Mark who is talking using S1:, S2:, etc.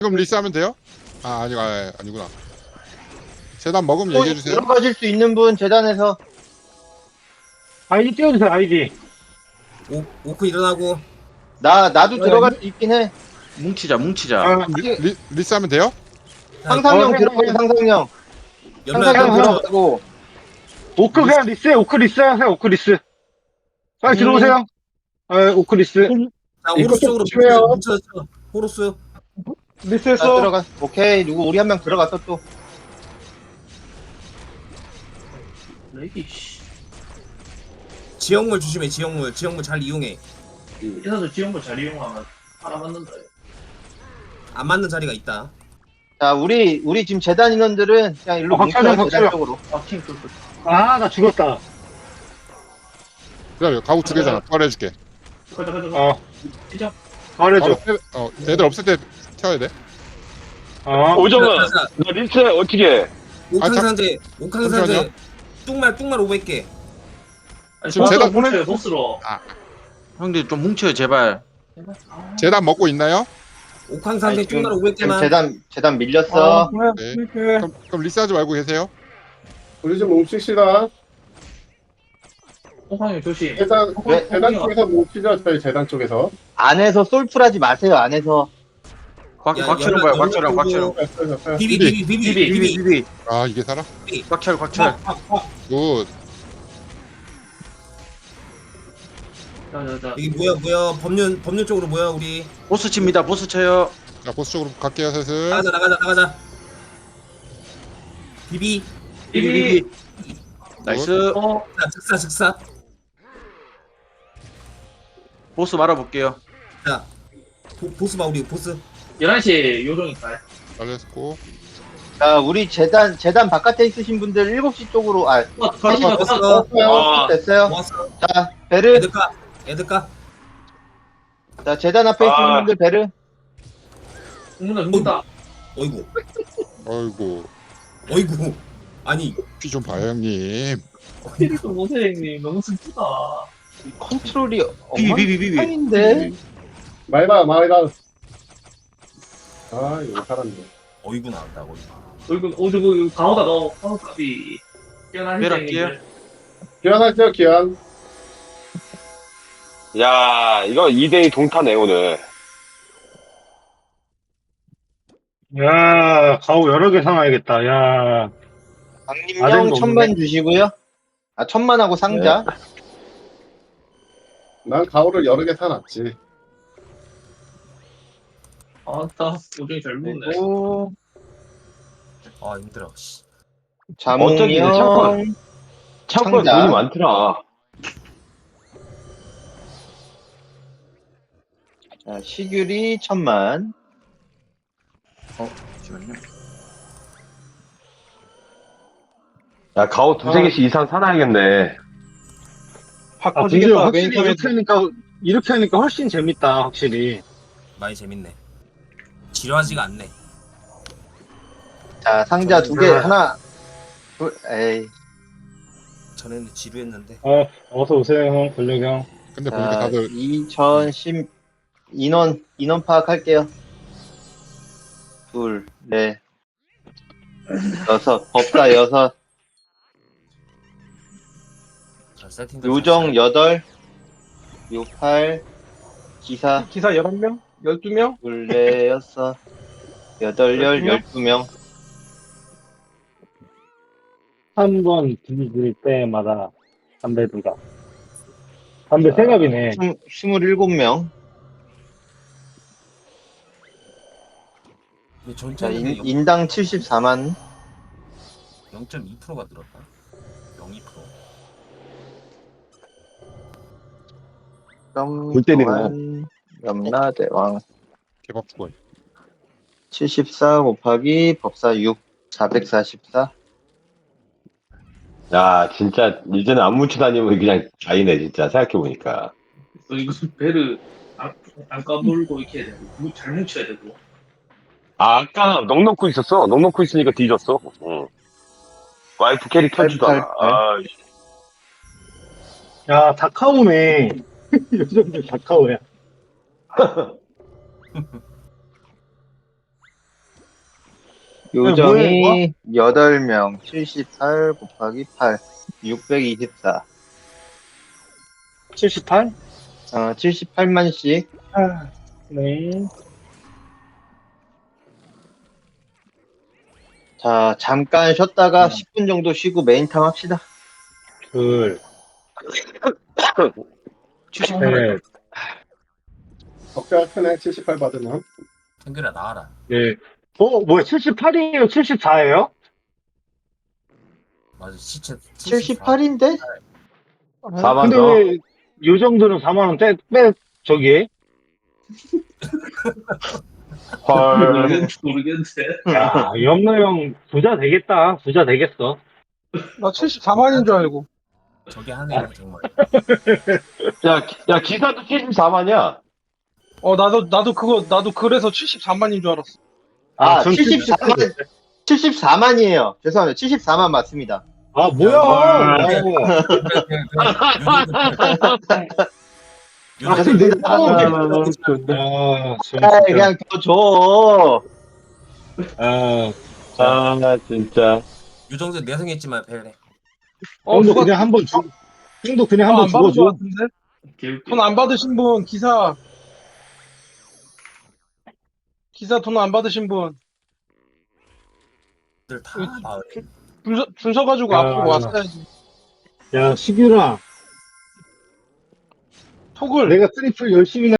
S1: 지금 리스하면 돼요? 아니구나. 재단 먹으면
S2: 또
S1: 얘기해주세요.
S2: 들어가실 수 있는 분 재단에서.
S3: 아이디 띄워주세요, 아이디.
S4: 오크 일어나고.
S2: 나도 들어갈 수 있긴 해.
S5: 뭉치자.
S3: 아,
S1: 리스하면 돼요?
S2: 상상형
S3: 해,
S2: 들어가요,
S3: 해.
S2: 상상형.
S4: 연락
S2: 상상형
S3: 형.
S2: 들어가고.
S3: 오크 그냥 리스해, 오크 리스 하세요, 오크 리스. 빨리 들어오세요. 오크 리스.
S4: 자, 호루스 쪽으로
S3: 조심해요.
S4: 뭉쳐서 호루스.
S2: 자,
S3: 리스했어.
S2: 들어가. 오케이. 누구 우리 한 명 들어갔어 또.
S4: 지역물 조심해. 지역물 잘 이용해.
S6: 이래서 지원을 잘 이용하면 알아맞는다.
S4: 안 맞는 자리가 있다.
S2: 자, 우리 지금 재단 인원들은 그냥 일로
S3: 박찬영,
S2: 뭉쳐요, 재단
S3: 박찬영.
S2: 쪽으로.
S6: 아팀 그
S3: 아, 나 죽었다.
S1: 그래, 가구 두 개잖아. 부활해줄게.
S6: 가자. 시작.
S3: 말해줘.
S1: 애들 없을 때 태워야 돼.
S7: 오정아,
S4: 자,
S7: 너 리스트 어떻게 해?
S4: 옥황상제
S1: 잠시만요.
S4: 뚱말 500개.
S6: 아니,
S1: 지금
S6: 보스로
S1: 제가-
S6: 뭉쳐요 보스로.
S5: 형들 좀 뭉쳐요 제발.
S1: 재단 먹고 있나요?
S4: 옥황상제
S2: 아니, 지금-
S4: 뚱말
S2: 지금
S4: 500개만.
S2: 재단 밀렸어.
S1: 네.
S3: 그래.
S1: 그럼 리스하지 말고 계세요.
S8: 우리 좀 뭉칩시다.
S6: 호황이 조심.
S8: 재단,
S2: 왜?
S8: 재단 쪽에서 뭉치죠, 저희 재단 쪽에서.
S2: 안에서 솔플하지 마세요, 안에서.
S5: 곽철은 봐요. 곽철은.
S8: 됐어요.
S4: 비비.
S1: 아, 이게 살아?
S5: 곽철.
S1: 굿.
S6: 자자자.
S4: 여기 뭐야? 법률 쪽으로 뭐야 우리?
S5: 보스 칩니다. 보스 쳐요.
S1: 자, 보스 쪽으로 갈게요, 슬슬.
S4: 나가자. 비비.
S6: 비비.
S5: 나이스.
S4: 자, 즉사.
S5: 보스 말아볼게요.
S4: 자, 보스 봐 우리 보스.
S6: 11시 요정일까요?
S1: 잘렸고.
S2: 자, 우리 재단 바깥에 있으신 분들 7시 쪽으로,
S4: 왔어.
S2: 됐어요.
S4: 모았어.
S2: 자, 베르.
S4: 애들까.
S2: 자, 재단 앞에 있는 분들 베르.
S6: 죽는다.
S4: 어이구.
S1: 어이구.
S4: 아니.
S1: 피 좀 봐요, 형님.
S6: 캐릭터 못해 형님 너무 슬프다.
S2: 컨트롤이
S5: 비비.
S2: 엉망인데.
S8: 말봐. 아, 이거 살았네.
S4: 어이구 나온다고.
S6: 저거 강호다 너 강호값이 뛰어나신
S5: 내려갈게요.
S6: 형님들.
S8: 기원하죠, 기원.
S7: 야, 이거 2대2 동타네, 오늘.
S3: 야, 가오 여러 개 사놔야겠다. 야.
S2: 강림령
S3: 아들도
S2: 1000만 주시고요. 1000만하고 상자.
S8: 난 가오를 여러 개 사놨지.
S6: 아따 요정이 잘 묻네.
S2: 그리고
S4: 아 힘들어. 씨.
S7: 어쩐지
S2: 자몽령.
S7: 창고에
S2: 상자.
S7: 돈이 많더라.
S2: 자, 시규리 1000만.
S5: 잠시만요.
S7: 야, 가오 두세 개씩 이상 사놔야겠네.
S2: 확
S3: 아, 근데 확실히 이렇게 하니까 훨씬 재밌다, 확실히.
S4: 많이 재밌네. 지루하지가 않네.
S2: 자, 상자 2개. 하나. 둘. 에이.
S4: 전에는 지루했는데.
S3: 어서 오세요, 형. 권력 형.
S1: 근데 보니까
S2: 자,
S1: 다들
S2: 2010 인원 파악할게요. 둘, 넷, 여섯, 법사 6,
S4: 자, 세팅도
S2: 요정 8, 68, 기사
S3: 기사 11명? 12명?
S2: 둘, 넷, 여섯, 8, 12명.
S3: 한 번 뒤질 때마다 담배 두가. 담배 세 갑이네.
S2: 27명.
S4: 근데
S2: 자,
S4: 전체는
S2: 인당 74만.
S4: 0.2%가 늘었다. 0.2%.
S7: 골 때리네.
S2: 염라대왕
S1: 개밥 죽어.
S2: 74 곱하기 법사 6, 444.
S7: 야, 진짜, 이제는 안 뭉쳐 다니면 그냥 자이네, 진짜, 생각해보니까.
S6: 이거 베르 안 까불고 이렇게 해야 되고 잘 뭉쳐야 되고.
S7: 아까 넉넉고 있었어. 넉넉고 있으니까 뒤졌어. 응. 와이프 캐릭 켜주다가. 아,
S3: 야, 다카오네. 요즘들 다카오야.
S2: 요정이 8명, 78 곱하기 8, 624.
S3: 78?
S2: 78만씩.
S3: 네.
S2: 자, 잠깐 쉬었다가 10분 정도 쉬고 메인탐 합시다.
S3: 둘,
S5: 78.
S3: 셋,
S8: 적자 크네 78 받으면.
S4: 탱글아 나와라.
S3: 넷. 뭐야, 78이에요? 74예요?
S4: 맞아 시체
S2: 78인데?
S7: 4만
S3: 근데
S7: 더.
S3: 왜, 요 정도는 4만원 빼, 저기.
S7: 헐.
S6: 모르겠는데.
S3: 야, 염노 형 부자 되겠다. 부자 되겠어.
S9: 나 74만인 줄 알고.
S4: 저게 하네 정말.
S7: 야, 기사도 74만이야.
S9: 나도 그래서 74만인 줄 알았어.
S3: 전
S2: 74만이에요. 죄송합니다. 74만 맞습니다.
S3: 아, 뭐야.
S2: 죄송합니다. 그냥 더 줘.
S7: 아, 진짜.
S4: 유정수 내성했지만 배래.
S3: 형도 그냥 한번 주, 형도 그냥 한번
S9: 안 받은 것
S3: 죽어줘.
S9: 같은데? 돈 안 받으신 분, 기사 돈 안 받으신 분,
S4: 들다 마을.
S9: 줄 서가지고
S3: 야.
S9: 앞으로 왔어야지.
S3: 야, 시규라.
S9: 톡을.
S3: 내가 트리플 열심히